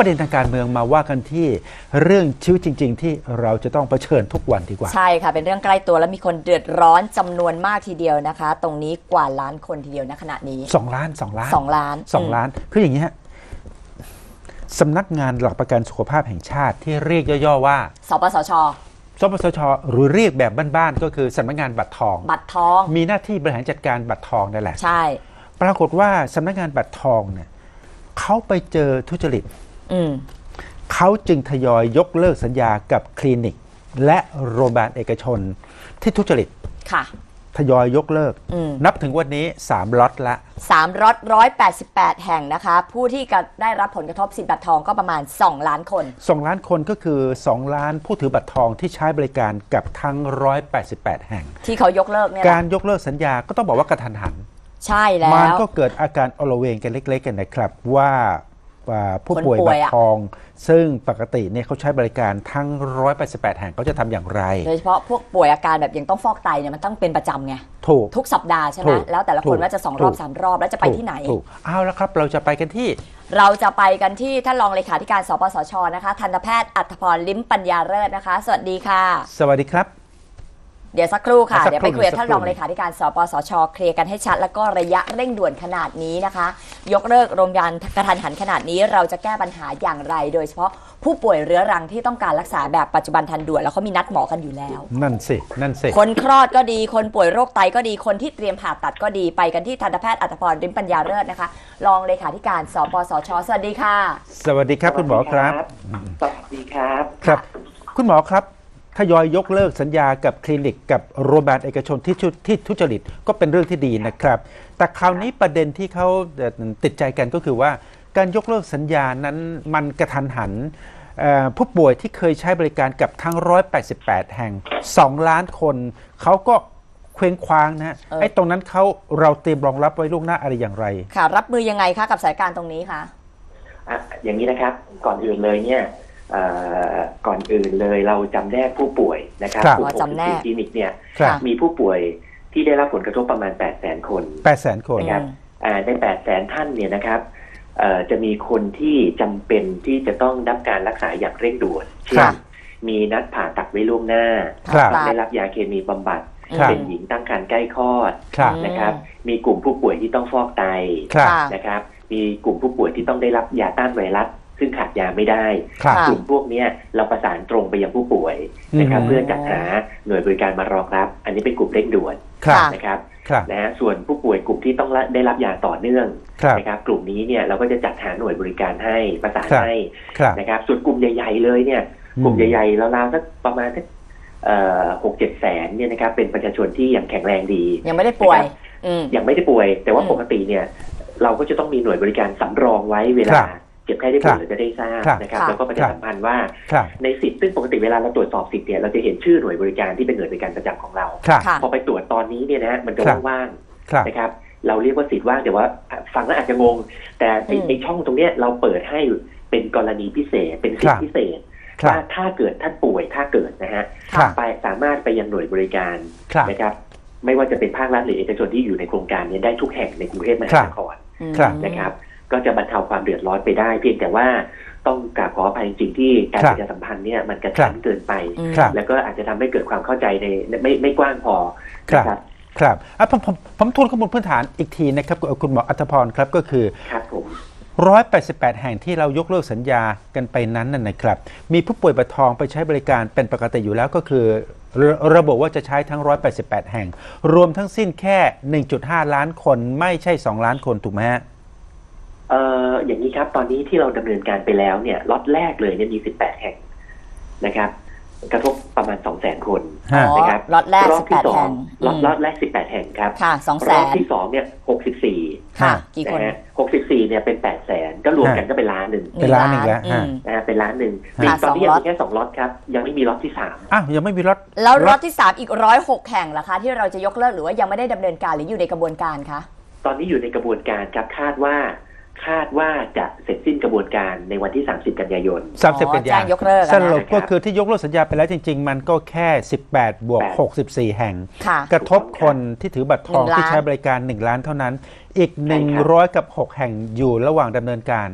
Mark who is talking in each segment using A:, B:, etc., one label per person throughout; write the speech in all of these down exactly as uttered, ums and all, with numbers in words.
A: ประเด็นทางการเมืองมาว่ากันที่เรื่องชีวิตจริงๆที่เราจะต้องเผชิญทุกวันดีกว่า
B: ใช่ค่ะเป็นเรื่องใกล้ตัวและมีคนเดือดร้อนจำนวนมากทีเดียวนะคะตรงนี้กว่าล้านคนทีเดียวณขณะนี้
A: สองล้านสองล้าน
B: สองล้าน
A: สองล้านคืออย่างนี้ฮะสำนักงานหลักประกันสุขภาพแห่งชาติที่เรียกย่อๆว่า
B: สปสช
A: สปสชหรือเรียกแบบบ้านๆก็คือสำนักงานบัตรทอง
B: บัตรทอง
A: มีหน้าที่บริหารจัดการบัตรทองนั่นแหละ
B: ใช่
A: ปรากฏว่าสำนักงานบัตรทองเนี่ยเขาไปเจอทุจริตเขาจึงทยอยยกเลิกสัญญากับคลินิกและโรงพยาบาลเอกชนที่ทุจริต
B: ค่ะ
A: ทยอยยกเลิกนับถึงวันนี้สามล็อตละ
B: สามล็อตหนึ่งร้อยแปดสิบแปดแห่งนะคะผู้ที่ได้รับผลกระทบสิทธิ์บัตรทองก็ประมาณสองล้านคน
A: สองล้านคนก็คือสองล้านผู้ถือบัตรทองที่ใช้บริการกับทั้งหนึ่งร้อยแปดสิบแปดแห่ง
B: ที่เขายกเลิกเนี่ย
A: การยกเลิกสัญญาก็ต้องบอกว่ากระทันหัน
B: ใช่แล้ว
A: มันก็เกิดอาการอลเวงกันเล็กๆกันนะครับว่าผู้ป่วยบัตรทองซึ่งปกติเนี่ยเขาใช้บริการทั้งหนึ่งร้อยแปดสิบแปดแห่งเขาจะทำอย่างไร
B: โดยเฉพาะพวกป่วยอาการแบบยังต้องฟอกไตเนี่ยมันต้องเป็นประจำไง
A: ถูก
B: ทุกสัปดาห์ใช่ไหมแล้วแต่ละคนว่าจะสองรอบสามรอบแล้วจะไปที่ไหน
A: ถูกเอาแล้วครับเราจะไปกันที่
B: เราจะไปกันที่ท่านรองเลขาธิการสปสชนะคะทันตแพทย์อัธพรลิ้มปัญญาเลิศนะคะสวัสดีค่ะ
A: สวัสดีครับ
B: เดี๋ยวสักครู่ค่ะเดี๋ยวไปคุยกับท่านรองเลขาธิการสปสชเคลียร์กันให้ชัดแล้วก็ระยะเร่งด่วนขนาดนี้นะคะยกเลิกโรงพยาบาลกระทันหันขนาดนี้เราจะแก้ปัญหาอย่างไรโดยเฉพาะผู้ป่วยเรื้อรังที่ต้องการรักษาแบบปัจจุบันทันด่วนแล้วเขามีนัดหมอกันอยู่แล้ว
A: นั่นสินั่นสิ
B: คนคลอดก็ดีคนป่วยโรคไตก็ดีคนที่เตรียมผ่าตัดก็ดีไปกันที่ทันตแพทย์อัธพรลิ้มปัญญาเลิศนะคะรองเลขาธิการสปสชสวัสดีค่ะ
A: สวัสดีครับคุณหมอครับ
C: สวัสดีครับ
A: ครับคุณหมอครับทยอยยกเลิกสัญญากับคลินิกกับโรงพยาบาลเอกชนที่ที่ทุจริตก็เป็นเรื่องที่ดีนะครับแต่คราวนี้ประเด็นที่เขาติดใจกันก็คือว่าการยกเลิกสัญญานั้นมันกระทันหันผู้ป่วยที่เคยใช้บริการกับทั้งหนึ่งร้อยแปดสิบแปดแห่งสองล้านคนเขาก็เคว้งคว้างนะไอ้ตรงนั้นเขาเราเตรียมรองรับไว้ล่วงหน้าอะไรอย่างไร
B: ค่ะรับมือยังไงคะกับสถานการณ์ตรงนี้คะ
C: อ่ะอย่างนี้นะครับก่อนอื่นเลยเนี่ยก่อนอื่นเลยเราจำแนกผู้ป่วยนะครับ
B: ผู้ป่วยใน
C: คลินิกเนี่ยมีผู้ป่วยที่ได้รับผลกระทบประมาณ แปดแสน คน
A: แปดแสน คน
C: นะครับใน แปดแสน ท่านเนี่ยนะครับจะมีคนที่จำเป็นที่จะต้องรับการรักษาอย่างเร่งด่วนเช่นมีนัดผ่าตัดไว้ล่วงหน้าได้รับยาเคมีบำบัดเป็นหญิงตั้งครรภ์ใกล้คลอดนะครับมีกลุ่มผู้ป่วยที่ต้องฟอกไตนะครับมีกลุ่มผู้ป่วยที่ต้องได้รับยาต้านไวรัสซึ่งขาดยาไม่ได้กลุ่มพวกนี้เราประสานตรงไปยังผู้ป่วยนะครับเพื่อจัดหาหน่วยบริการมารองรับอันนี้เป็นกลุ่มเร่งด่วนนะครับนะฮะส่วนผู้ป่วยกลุ่มที่ต้องได้รับยาต่อเนื่องนะครับกลุ่มนี้เนี่ยเราก็จะจัดหาหน่วยบริการให้ประสานให้นะครับส่วนกลุ่มใหญ่ๆเลยเนี่ยกลุ่มใหญ่ๆราวๆสักประมาณสักหกเจ็ดแสนเนี่ยนะครับเป็นประชาชนที่ยังแข็งแรงดี
B: ยังไม่ได้ป่วย
C: ยังไม่ได้ป่วยแต่ว่าปกติเนี่ยเราก็จะต้องมีหน่วยบริการสำรองไว้เวลาเจ็บไข้ได้ป่วยเราจะได้ทราบนะครับแล้วก็ประชาสัมพันธ์ว่าในสิทธิ์ซึ่งปกติเวลาเราตรวจสอบสิทธิ์เนี่ยเราจะเห็นชื่อหน่วยบริการที่เป็นหน่วยบริการประจำของเราพอไปตรวจตอนนี้เนี่ยนะมันจะว่างๆนะครับเราเรียกว่าสิทธิ์ว่างแต่ว่าฟังแล้วอาจจะงงแต่ในช่องตรงนี้เราเปิดให้เป็นกรณีพิเศษเป็นสิทธิพิเศษว่าถ้าเกิดท่านป่วยถ้าเกิดนะฮะไปสามารถไปยังหน่วยบริการนะครับไม่ว่าจะเป็นภาครัฐหรือเอกชนที่อยู่ในโครงการนี้ได้ทุกแห่งในกรุงเทพมหานครนะครับก็จะบรรเทาความเดือดร้อนไปได้เพียงแต่ว่าต้องกราบขออภัยจริงๆที่การประชาสัมพันธ์เนี่ยมันกระชั้นเกินไปแล้วก็อาจจะทำให้เกิดความเข้าใจในไม่ไม่กว้างพอ
A: ครับครับผมผมผมทวนข้อมูลพื้นฐานอีกทีนะครับคุณหมออัธพรครับก็คือ
C: ครับผม
A: หนึ่งร้อยแปดสิบแปดแห่งที่เรายกเลิกสัญญากันไปนั้นนั่นนะครับมีผู้ป่วยบัตรทองไปใช้บริการเป็นปกติอยู่แล้วก็คือระบบว่าจะใช้ทั้งหนึ่งร้อยแปดสิบแปดแห่งรวมทั้งสิ้นแค่ หนึ่งจุดห้า ล้านคนไม่ใช่สองล้านคนถูกไหมฮะ
C: เอ่ออย่างนี้ครับตอนนี้ที่เราดำเนินการไปแล้วเนี่ยล็อตแรกเลยเนี่ยมีสิบแปดแห่งนะครับกระทบประมาณ สองแสน คนนะครับ
B: ล็อตแรก
C: รอบที่สองล็อตล็อตแรกสิบแปดแห่งครับ
B: ค่ะ สองแสน
C: รอบที่สองเนี่ยหกสิบสี่
B: ค่ะกี่คน
C: นะฮะหกสิบสี่เนี่ยเป็น แปดแสน ก็รวมกันก็เป็นล้านนึง
A: เป็นล้านนึงแล้ว
C: นะฮะเป็นล้านนึงตอนนี้ยังมีแค่สองล็อตครับยังไม่มีล็อตที่สาม
A: อ้าวยังไม่มีล็อต
B: แล้วล็อตที่สามอีกหนึ่งร้อยหกแห่งล่ะคะที่เราจะยกเลิกหรือว่ายังไม่ได้ดำเนินการหรืออยู่ในกระบวนการคะ
C: ตอนนี้อยู่ในกระบวนการครับคาดว่าคาดว่าจะเสร็จสิ้นกระบวนการในวันที่สามสิบกันยายน
A: สามสิบกันยายน
B: ยกเลิก
A: สรุปก็คือที่ยกเลิกสัญญาไปแล้วจริงๆมันก็แค่สิบแปดบวกหกสิบสี่แห่งกระทบคนที่ถือบัตรทองที่ใช้บริการหนึ่งล้านเท่านั้นอีกหนึ่งร้อยกับหกแห่งอยู่ระหว่างดำเนินการ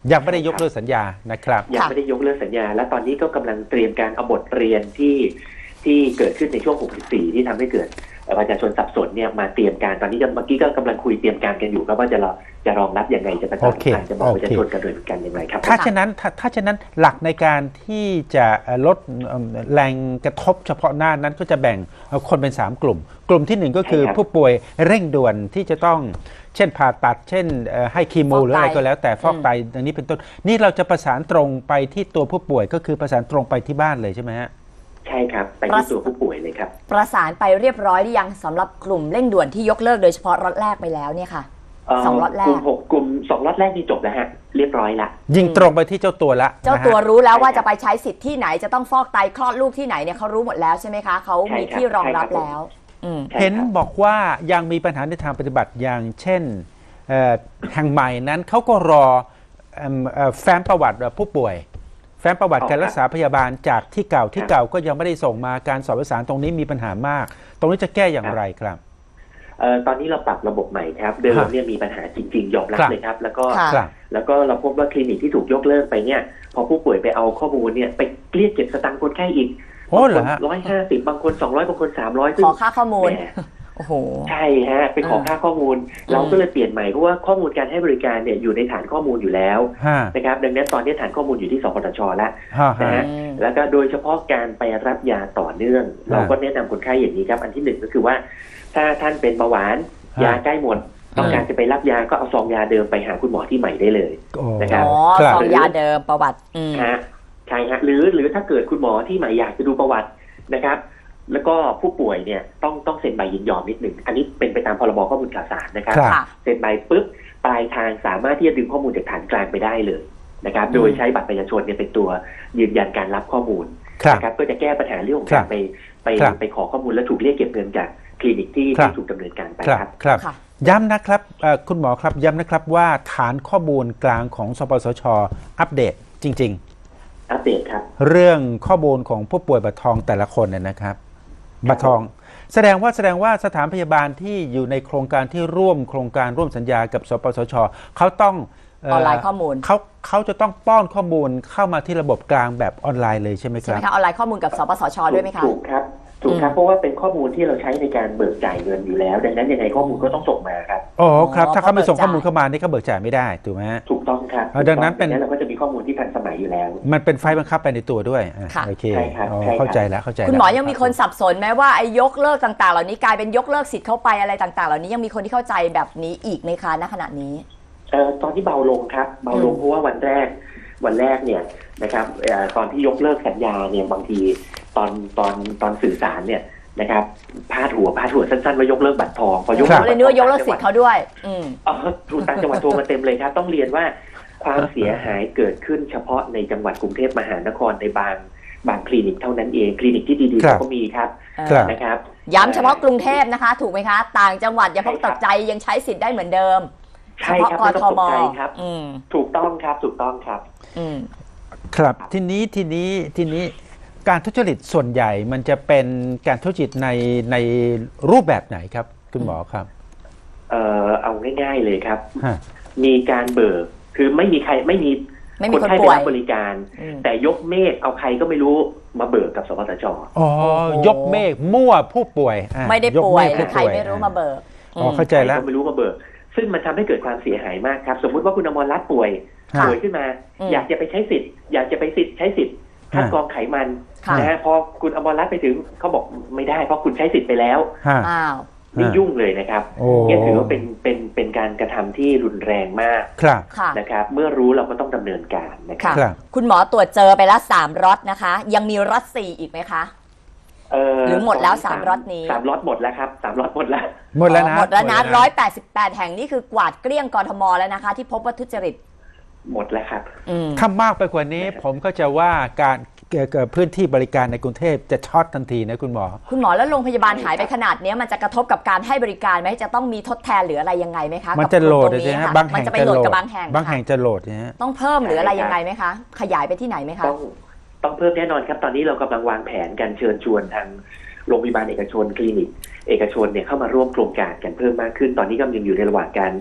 A: ยังไม่ได้ยกเลิกสัญญานะครับ
C: ยังไม่ได้ยกเลิกสัญญาและตอนนี้ก็กำลังเตรียมการเอาบทเรียนที่ที่เกิดขึ้นในช่วงหกสิบสี่ที่ทำให้เกิดประชาชนสับสนเนี่ยมาเตรียมการตอนนี้เมื่อกี้ก็กำลังคุยเตรียมการกันอยู่ครับว่าจะจะรองรับยังไงจะประชาสัมพันธ์จะบอกประชาชนกันโดยกันยังไงครับ
A: ถ้าฉะนั้นถ้าถ้าฉะนั้นหลักในการที่จะลดแรงกระทบเฉพาะหน้านั้นก็จะแบ่งคนเป็นสามกลุ่มกลุ่มที่หนึ่งก็คือผู้ป่วยเร่งด่วนที่จะต้องเช่นผ่าตัดเช่นให้คีโมหรืออะไรก็แล้วแต่ฟอกไตอันนี้เป็นต้นนี่เราจะประสานตรงไปที่ตัวผู้ป่วยก็คือประสานตรงไปที่บ้านเลยใช่ไหมฮะ
C: ใช่ครับไปที่ตัวผู้ป่วยเลยครับ
B: ประสานไปเรียบร้อยหรือยังสำหรับกลุ่มเร่งด่วนที่ยกเลิกโดยเฉพาะล็อตแรกไปแล้วเนี่ยค่ะสองล็อตแรก
C: กลุ่มหกกลุ่มสองล็อตแรกนี่จบแล้วฮะเรียบร้อยละ
A: ยิงตรงไปที่เจ้าตัวละ
B: เจ้าตัวรู้แล้วว่าจะไปใช้สิทธิ์ที่ไหนจะต้องฟอกไตคลอดลูกที่ไหนเนี่ยเขารู้หมดแล้วใช่ไหมคะเขามีที่รองรับแล้ว
A: เห็นบอกว่ายังมีปัญหาในทางปฏิบัติอย่างเช่นแห่งใหม่นั้นเขาก็รอแฟ้มประวัติผู้ป่วยแฟ้มประวัติการรักษาพยาบาลจากที่เก่าที่เก่าก็ยังไม่ได้ส่งมาการสอบประสานตรงนี้มีปัญหามากตรงนี้จะแก้อย่างไรครับ
C: เอ่อตอนนี้เราปรับระบบใหม่ครับเดิมเนี่ยมีปัญหาจริงๆยอมรับเลยครับแล้วก็แล้วก็เราพบว่าคลินิกที่ถูกยกเลิกไปเนี่ยพอผู้ป่วยไปเอาข้อมูลเนี่ยไปเรียกเก็บสตางค์คนไข้อีก
A: โอ้เหรอฮะ
C: ร้อยห้าสิบบางคนสองร้อยบางคนสามร้อย
B: ขอค่าข้อมูลโอ้โห
C: ใช่ฮะไปขอค่าข้อมูลเราก็เลยเปลี่ยนใหม่เพราะว่าข้อมูลการให้บริการเนี่ยอยู่ในฐานข้อมูลอยู่แล้วนะครับดังนั้นตอนนี้ฐานข้อมูลอยู่ที่สปสชแล้วนะฮะแล้วก็โดยเฉพาะการไปรับยาต่อเนื่องเราก็แนะนำคนไข้อย่างนี้ครับอันที่หนึ่งก็คือว่าถ้าท่านเป็นเบาหวานยาใกล้หมดต้องการจะไปรับยาก็เอาซองยาเดิมไปหาคุณหมอที่ใหม่ได้เลยนะครับ
B: อ๋อซองยาเดิมประวัติ
C: ฮะใช่ฮะหรือหรือถ้าเกิดคุณหมอที่ใหม่อยากจะดูประวัตินะครับแล้วก็ผู้ป่วยเนี่ยต้องต้องเซ็นใบยินยอมนิดหนึ่งอันนี้เป็นไปตามพรบข้อมูลข่าวสารนะครับเซ็นใบปุ๊บปลายทางสามารถที่จะดึงข้อมูลจากฐานกลางไปได้เลยนะครับโดยใช้บัตรประชาชนเนี่ยเป็นตัวยืนยันการรับข้อมูลนะครับก็จะแก้ปัญหาเรื่องของการไปไปไปขอข้อมูลและถูกเรียกเก็บเงินจากคลินิกที่ที่ถูกดำเนินการไปครับ
A: ครับย้ำนะครับคุณหมอครับย้ำนะครับว่าฐานข้อมูลกลางของสปสช.อัปเดตจริง
C: ๆอัปเดตครับ
A: เรื่องข้อมูลของผู้ป่วยบัตรทองแต่ละคนเนี่ยนะครับบัตรทองแสดงว่าแสดงว่าสถานพยาบาลที่อยู่ในโครงการที่ร่วมโครงการร่วมสัญญากับสปสช.เขาต้อง
B: ออนไลน์ข้อมูล
A: เขาเขาจะต้องป้อนข้อมูลเข้ามาที่ระบบกลางแบบออนไลน์เลยใช่ไหมครับ
B: ใช่ไหมคะออนไลน์ข้อมูลกับสปสช.ด้วยไหมคะ
C: ถูกครับถูกครับเพราะว่าเป็นข้อมูลที่เราใช้ในการเบิกจ่ายเงินอยู่แล้วดังนั้นยังไงข้อมูลก็ต้องส่งมาครับ
A: อ๋อครับถ้าเขาไม่ส่งข้อมูลเข้ามานี่ก็เบิกจ่ายไม่ได้ถูกไหม
C: ถูกต้องครับ
A: ดังนั้นเป็น
C: เราก็จะมีข้อมูลที่ทันสมัยอยู่แล้ว
A: มันเป็นไฟล์บังคับไปในตัวด้วยโอเคเข้าใจแล้วเข้าใจ
B: คุณหมอยังมีคนสับสนไหมว่าไอ้ยกเลิกต่างๆเหล่านี้กลายเป็นยกเลิกสิทธิ์เข้าไปอะไรต่างๆเหล่านี้ยังมีคนที่เข้าใจแบบนี้อีกไหมคะณขณะนี้
C: เอ่อตอนที่เบาลงครับเบาลงเพราะว่าวันแรกวันแรกเนี่ยนะครับตอนที่ยกเลิกสัญญาเนี่ยบางทีตอนตอนตอนสื่อสารเนี่ยนะครับพาดหัวพาดหัวสั้นๆว่ายกเลิกบัตรทองพอยกเลิก
B: เลยนึกว่ายกเลิกสิทธิ์เขาด้วยอืม
C: อ๋อถูกต่างจังหวัดโทรมาเต็มเลยครับต้องเรียนว่าความเสียหายเกิดขึ้นเฉพาะในจังหวัดกรุงเทพมหานครในบางบางคลินิกเท่านั้นเองคลินิกที่ดีๆก็มีครับนะครับ
B: ย้ำเฉพาะกรุงเทพนะคะถูกไหมคะต่างจังหวัดอย่าเพิ่งตกใจยังใช้สิทธิ์ได้เหมือนเดิม
C: ใช่ครับไม่ต้องตกใจครับถูกต้องครับถูกต้องครับ
A: ครับทีนี้ทีนี้ทีนี้การทุจริตส่วนใหญ่มันจะเป็นการทุจริตในในรูปแบบไหนครับคุณหมอครับ
C: เอ่อเอาง่ายๆเลยครับมีการเบิกคือไม่มีใครไม่มีคนไข้ไปรับบริการแต่ยกเมฆเอาใครก็ไม่รู้มาเบิกกับสปสช.
A: อ๋อยกเมฆมั่วผู้ป่วย
B: ไม่ได้ป่วยใครไม่รู้มาเบิก
A: อ๋อเข้าใจแล้ว
C: ไม่รู้มาเบิกซึ่งมันทำให้เกิดความเสียหายมากครับสมมุติว่าคุณอมรรัตน์ป่วยป่วยขึ้นมาอยากจะไปใช้สิทธิ์อยากจะไปสิทธิ์ใช้สิทธิ์คัดกรองไขมันนะฮะพอคุณอมรรัตน์ไปถึงเขาบอกไม่ได้เพราะคุณใช้สิทธิ์ไปแล้ว
B: อ้าว
C: นี่ยุ่งเลยนะครับนี่ถือว่าเป็นเป็นเป็นการกระทำที่รุนแรงมากนะครับเมื่อรู้เราก็ต้องดำเนินการนะครับ
B: คุณหมอตรวจเจอไปแล้วสามล็อตนะคะยังมีล็อตสี่อีกไหมคะหรือหมดแล้วสามล็อตนี้
C: สามล็อตหมดแล้วครับสามล็อตหมดแล้ว
A: หมดแล้วนะ
B: หมดแล้วนะร้อยแปดสิบแปดแห่งนี่คือกวาดเกลี้ยงกทมแล้วนะคะที่พบว่าทุจริต
C: หมดแล้วครับ
A: ถ้ามากไปกว่านี้ผมก็จะว่าการพื้นที่บริการในกรุงเทพจะช็อตทันทีนะคุณหมอ
B: คุณหมอแล้วโรงพยาบาลหายไปขนาดนี้มันจะกระทบกับการให้บริการไหมจะต้องมีทดแทนหรืออะไรยังไงไหมคะ
A: มันจะโหลดใช่ไหมบางแห่ง
B: จะไปโหลดกับบางแห่ง
A: บางแห่งจะโหลดนะ
B: ต้องเพิ่มหรืออะไรยังไงไหมคะขยายไปที่ไหนไหมคะ
C: ต้องต้องเพิ่มแน่นอนครับตอนนี้เรากำลังวางแผนการเชิญชวนทางโรงพยาบาลเอกชนคลินิกเอกชนเนี่ยเข้ามาร่วมโครงการกันเพิ่มมากขึ้นตอนนี้กำลังอยู่ในระหว่างการ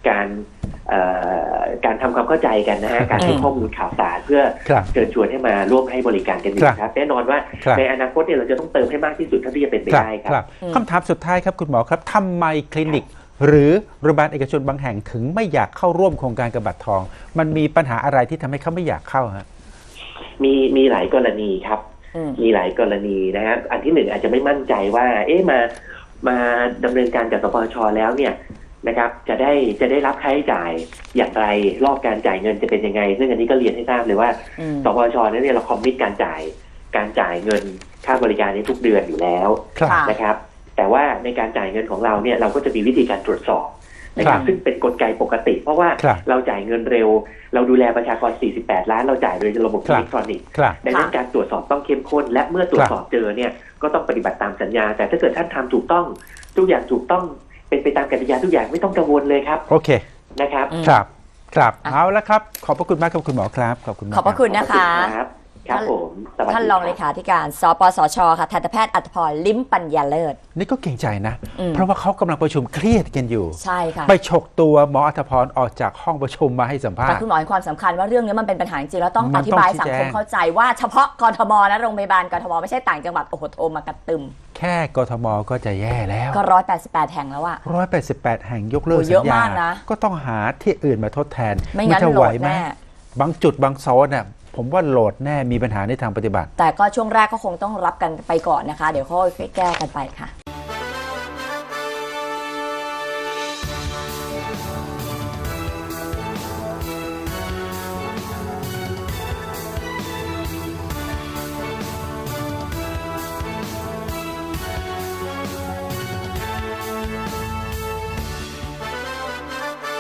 C: การเอ่อการทำความเข้าใจกันนะฮะการให้ข้อมูลข่าวสารเพื่อ
A: ครับ
C: เชิญชวนให้มาร่วมให้บริการกันดี
A: ครับ
C: ครับแน่นอนว่า
A: ครับ
C: ในอนาคตเนี่ยเราจะต้องเติมให้มากที่สุดเท่าที่จะเป็นไปได้ครับ
A: ครับคำถามสุดท้ายครับคุณหมอครับทำไมคลินิก หรือโรงพยาบาลเอกชนบางแห่งถึงไม่อยากเข้าร่วมโครงการกระบัตรทอง มันมีปัญหาอะไรที่ทำให้เขาไม่อยากเข้าฮะ
C: มีมีหลายกรณีครับ
B: อืม
C: มีหลายกรณีนะครับอันที่หนึ่งอาจจะไม่มั่นใจว่า เอ๊ะมามาดำเนินการจากสปชแล้วเนี่ยนะครับ จะได้จะได้รับค่าใช้จ่ายอย่างไรรอบการจ่ายเงินจะเป็นยังไง ซึ่งอันนี้ก็เรียนให้ทราบเลยว่า
B: อืม
C: สปชเนี่ยเราคอมมิตการจ่ายการจ่ายเงินค่าบริการในทุกเดือนอยู่แล้ว
A: ครับ
B: ค่ะ
C: นะครับ แต่ว่าในการจ่ายเงินของเราเนี่ยเราก็จะมีวิธีการตรวจสอบนะครับ ซึ่งเป็นกลไกปกติ เพราะว่า
A: ครับ
C: เราจ่ายเงินเร็ว เราดูแลประชากรสี่สิบแปดล้านเราจ่ายโดยระบบ
A: ครั
C: อิ
A: บ
C: เล็กทรอนิกส์
A: ครับ
C: ดังนั้นการตรวจสอบต้องเข้มข้น และเมื่อตรวจสอบเจอเนี่ยก็ต้องปฏิบัติตามสัญญา แต่ถ้าเกิดท่านทำถูกต้องทุกอย่างถูกต้องเป็นไปตามกติกาทุกอย่างไม่ต้องกังวลเลยครับ
A: โอเค
C: นะครับ
B: อืม
A: ครับครับ
B: อ่ะ
A: เอาละครับขอบพระคุณมากครับคุณหมอครับขอบคุณมาก
B: ขอบพระคุณนะคะ
C: ครับครับผมสวัสดี
B: ท่านรองเล
C: ครับ
B: ขาธิการ สปสช ค่ะทันตแพทย์อัตภพร ลิ้มปัญญาเลิศ
A: นี่ก็เก่งใจนะ
B: อืม
A: เพราะว่าเขากำลังประชุมเครียดกันอยู่
B: ใช่ค่ะ
A: ไปฉกตัวหมออัธพรออกจากห้องประชุมมาให้สัมภา
B: แต่
A: ษณ์
B: คุณหมอให้ความสำคัญว่าเรื่องนี้มันเป็นปัญหาจริงๆแล้วต้อง
A: มั
B: อน
A: ต้อง
B: ธิบาย
A: ชี้
B: สัง
A: แจง
B: คมเข้าใจว่าเฉพาะกทมนะโรงพยาบาลกทมไม่ใช่ต่างจังหวัดโอ้โหโทรมากระตึม
A: แค่กทมก็จะแย่แล้ว
B: ก็ร้อยแปดสิบแปดแห่งแล้วอะ
A: ร้อยแปดสิบแปดแห่งยกเลิก
B: โอ้
A: สั
B: เยอะ
A: ญญาม
B: ากนะ
A: ก็ต้องหาที่อื่นมาทดแทน
B: ไม่งั้น
A: จะ
B: โหล
A: ไหว
B: ด
A: ไหม
B: แน่
A: บางจุดบางโซนน่ะผมว่าโหลดแน่มีปัญหาในทางปฏิบัติ
B: แต่ก็ช่วงแรกก็คงต้องรับกันไปก่อนนะคะ เดี๋ยวค่อยแก้กันไปค่ะ